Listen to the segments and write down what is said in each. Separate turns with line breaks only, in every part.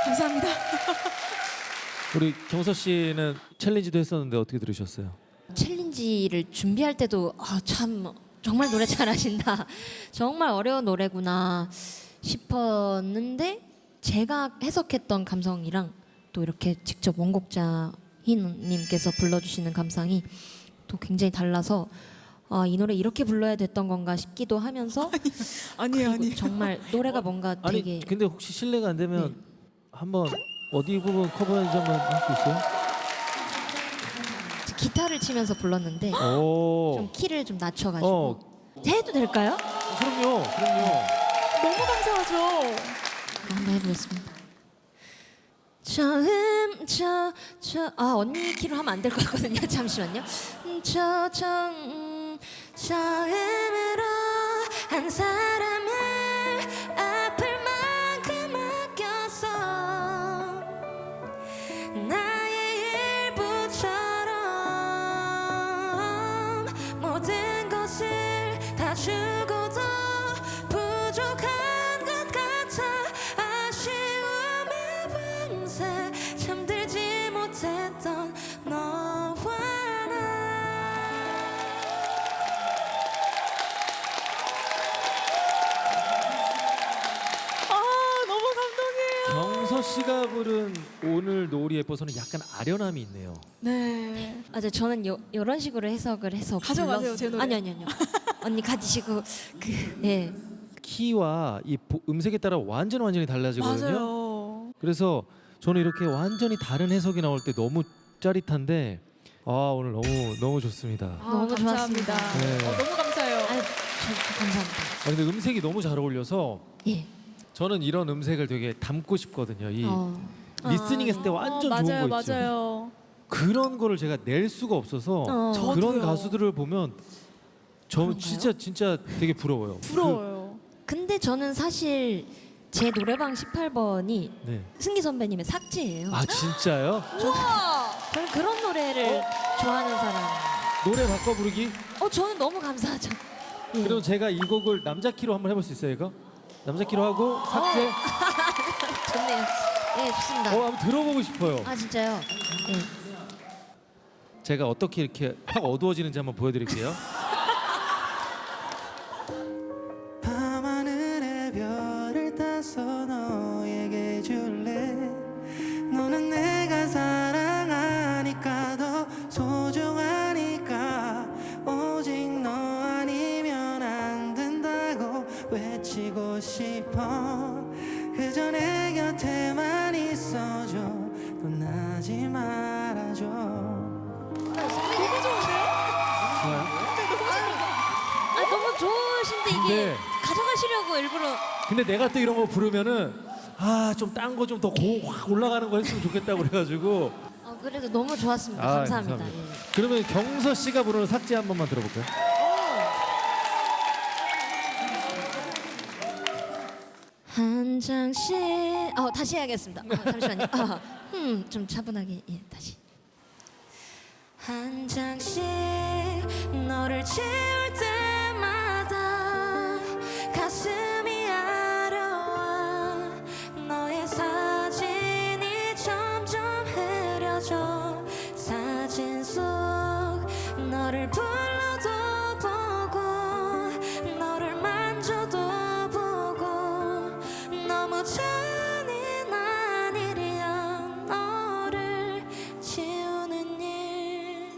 감사합니다.
우리 경서 씨는 챌린지도 했었는데 어떻게 들으셨어요?
챌린지를 준비할 때도 참 정말 노래 잘하신다. 정말 어려운 노래구나 싶었는데 제가 해석했던 감성이랑 또 이렇게 직접 원곡자 희님께서 불러주시는 감상이 또 굉장히 달라서 이 노래 이렇게 불러야 됐던 건가 싶기도 하면서
아니에요, 아니에요.
정말 노래가 뭔가 되게
아니 근데 혹시 실례가 안 되면 한번 어디 부분 커버 연주 한번 할 수 있어요?
기타를 치면서 불렀는데
오.
좀 키를 좀 낮춰가지고 해도 될까요?
그럼요.
너무 감사하죠.
한번 해보겠습니다. 언니 키로 하면 안 될 것 같거든요. 잠시만요. 처음으로 한 사람을 아플 만큼 아꼈어. 나의 일부처럼 모든 것을 다 주고도 부족한 것 같아. 아쉬움에 밤새 잠들지 못했던 너와
너무 감동이에요.
경서 씨가 부른 오늘 노을이 예뻐서는 약간 아련함이 있네요.
네.
저는 이런 식으로 해석을 해서
가져가세요, 제 노래.
아니요. 언니 가지시고 예.
키와 이 음색에 따라 완전히 달라지거든요.
맞아요.
그래서 저는 이렇게 완전히 다른 해석이 나올 때 너무 짜릿한데 오늘 너무 좋습니다.
너무
감사합니다.
좋았습니다.
네.
너무 감사해요.
저 감사합니다.
근데 음색이 너무 잘 어울려서
예.
저는 이런 음색을 되게 담고 싶거든요. 이 리스닝 했을 때 완전 좋은 거 있죠.
맞아요.
그런 거를 제가 낼 수가 없어서 그런
저도요.
가수들을 보면 저
그런가요?
진짜 되게 부러워요.
부러워요.
근데 저는 사실 제 노래방 18번이
네.
승기 선배님의 삭제예요.
아 진짜요?
저는 그런 노래를 좋아하는 사람.
노래 바꿔 부르기?
저는 너무 감사하죠. 예.
그럼 제가 이 곡을 남자 키로 한번 해볼 수 있어요, 이거? 남자 키로 하고 삭제.
좋네요. 예, 좋습니다.
한번 들어보고 싶어요.
진짜요? 예.
제가 어떻게 이렇게 확 어두워지는지 한번 보여드릴게요.
밤하늘의 별을 따서 너에게 줄래. 너는 내가 사랑하니까 더 소중하니까 오직 너 아니면 안 된다고 외치고 싶어. 그저 내 곁에만 있어줘. 떠나지 말아줘.
좋아요?
너무 좋으신데 이게
네.
가져가시려고 일부러.
근데 내가 또 이런 거 부르면은 좀 딴 거 좀 더 확 올라가는 거 했으면 좋겠다고 그래가지고.
그래도 너무 좋았습니다. 감사합니다. 예.
그러면 경서 씨가 부르는 삭제 한 번만 들어볼까요?
한 장씩 다시 해야겠습니다. 잠시만요. 좀 차분하게 다시. 한 장씩 너를 채울 때마다 가슴이 아려와. 너의 사진이 점점 흐려져. 사진 속 너를 불러도 보고 너를 만져도 보고 너무 잔인한 일이야. 너를 지우는 일.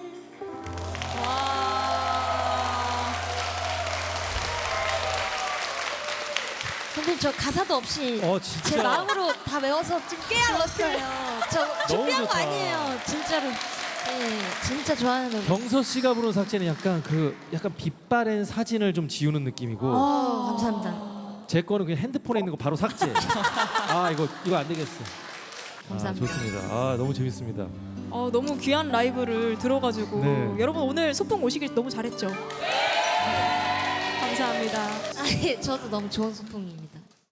선생님 저 가사도 없이
진짜.
제 마음으로 다 외워서 지금 깨알었어요. 저 준비한 거
좋다.
아니에요. 진짜로. 예, 진짜 좋아하는 노래.
경서 씨가 부르는 삭제는 약간 빛바랜 사진을 좀 지우는 느낌이고
감사합니다.
제 거는 그냥 핸드폰에 있는 거 바로 삭제. 이거 안 되겠어.
감사합니다.
좋습니다. 너무 재밌습니다.
너무 귀한 라이브를 들어가지고
네.
여러분 오늘 소풍 오시길 너무 잘했죠. 감사합니다.
저도 너무 좋은 소풍입니다.